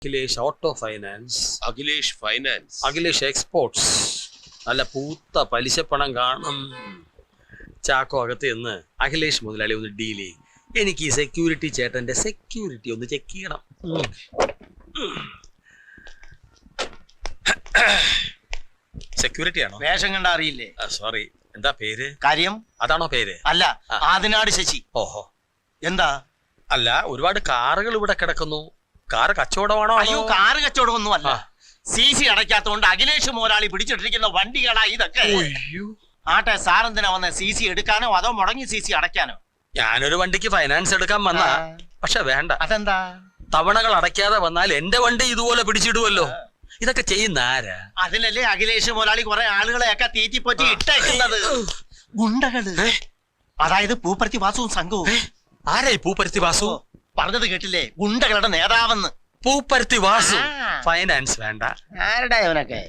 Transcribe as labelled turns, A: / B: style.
A: Akhilesh auto finance,
B: Akhilesh finance,
A: Akhilesh exports. നല്ല പൂത്ത പലിശപ്പണം കാണും. ചാക്കോ അകത്ത് നിന്ന് അഖിലേഷ് മുതലാളി ഒന്ന് ഡീൽ ചെയ്യും. എനിക്ക് ഈ സെക്യൂരിറ്റി ചേട്ടന്റെ സെക്യൂരിറ്റി ഒന്ന് ചെക്ക് ചെയ്യണം. സെക്യൂരിറ്റി ആണോ?
C: വേഷം കണ്ട അറിയില്ലേ?
A: സോറി, എന്താ പേര്?
C: കാര്യം
A: അതാണോ പേര്?
C: അല്ല, ആദിനാട് ശശി.
A: ഓഹോ,
C: എന്താ?
A: അല്ല, ഒരുപാട് കാറുകൾ ഇവിടെ കിടക്കുന്നു. കാറ് കച്ചവടമാണോ?
C: അയ്യോ, കാറ് കച്ചവടം ഒന്നും അല്ല. CC അടയ്ക്കാത്തോണ്ട് അഖിലേഷ് മോരാളി പിടിച്ചിട്ടിരിക്കുന്ന വണ്ടികളാ ഇതൊക്കെ. ആട്ടെ, സാറെന്തിനാ വന്ന? CC എടുക്കാനോ അതോ മുടങ്ങി CC അടയ്ക്കാനോ?
A: ഞാനൊരു വണ്ടിക്ക് ഫൈനാൻസ് എടുക്കാൻ വന്ന, പക്ഷെ വേണ്ട.
C: അതെന്താ?
A: തവണകൾ അടയ്ക്കാതെ വന്നാൽ എന്റെ വണ്ടി ഇതുപോലെ പിടിച്ചിടുവല്ലോ. ഇതൊക്കെ ചെയ്യുന്ന ആരാ?
C: അതിനല്ലേ അഖിലേഷ് മോരാളി കുറെ ആളുകളെയൊക്കെ തീറ്റിപ്പൊറ്റി ഇട്ടേക്കുന്നത്. ഗുണ്ടകള്, അതായത് പൂപ്പരുത്തി വാസുവും സംഘവും.
A: ആരാ ഈ പൂപ്പരുത്തി വാസു?
C: പറഞ്ഞത് കേട്ടില്ലേ? ഗുണ്ടകളുടെ നേതാവെന്ന്.
A: പൂപ്പരുത്തി വാസു ഫൈനാൻസ് വേണ്ട.
C: ആരുടെ അവനൊക്കെ?